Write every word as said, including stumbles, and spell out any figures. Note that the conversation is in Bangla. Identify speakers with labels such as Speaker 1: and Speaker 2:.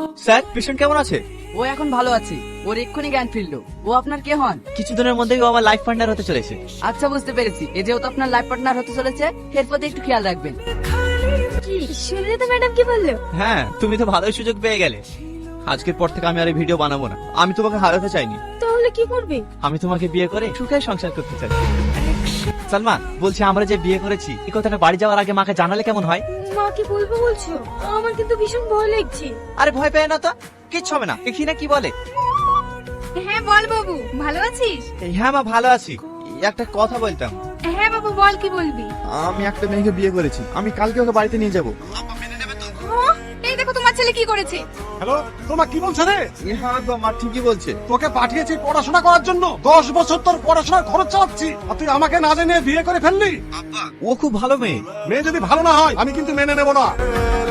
Speaker 1: স্যার পেশেন্ট কেমন আছে?
Speaker 2: ও এখন ভালো আছে, ওর এক্ষুনি জ্ঞান ফিরলো। ও আপনার কে হন?
Speaker 1: কিছুদিনের মধ্যেই ও আমার লাইফ পার্টনার হতে চলেছে।
Speaker 2: আচ্ছা বুঝতে পেরেছি, এ যেহেতু আপনার লাইফ পার্টনার হতে চলেছে, এর প্রতি একটু খেয়াল রাখবেন।
Speaker 3: কি শুনলে তো ম্যাডাম কি বললো?
Speaker 1: হ্যাঁ, তুমি তো ভালোই সুযোগ পেয়ে গেলে। আজকের পর থেকে আমি আর এই ভিডিও বানাবো না। আমি তোমাকে হারাতে চাইনি।
Speaker 3: তাহলে কি করবে?
Speaker 1: আমি তোমাকে বিয়ে করে সুখে সংসার করতে চাই। সালমা, বলছি আমরা যে বিয়ে করেছি এই কথাটা বাড়ি যাওয়ার আগে মাকে জানালে কেমন হয়?
Speaker 3: মা কি বলবো বলছো? আমার কিন্তু ভীষণ ভয় লাগছে।
Speaker 1: আরে ভয় পেয়ে না তো, কিচ্ছু হবে না। দেখি না কি বলে।
Speaker 3: হ্যাঁ বল বাবু, ভালো আছিস?
Speaker 1: এই, হ্যাঁ মা ভালো আছি। একটা কথা বলতাম।
Speaker 3: হ্যাঁ বাবু বল, কি বলবি?
Speaker 1: আমি একটা মেয়েকে বিয়ে করেছি, আমি কালকে ওকে বাড়িতে নিয়ে যাবো।
Speaker 3: হ্যাঁ, এই দেখো তোমার ছেলে কি করেছে।
Speaker 4: হ্যালো, তোমার কি বলছে রে?
Speaker 1: হ্যাঁ তো মা ঠিকই বলছে।
Speaker 4: তোকে পাঠিয়েছি পড়াশোনা করার জন্য, দশ বছর তোর পড়াশোনার খরচ চালাচ্ছি, আর তুই আমাকে না জেনে বিয়ে করে ফেললি।
Speaker 1: ও খুব ভালো মেয়ে।
Speaker 4: মেয়ে যদি ভালো না হয় আমি কিন্তু মেনে নেবো না।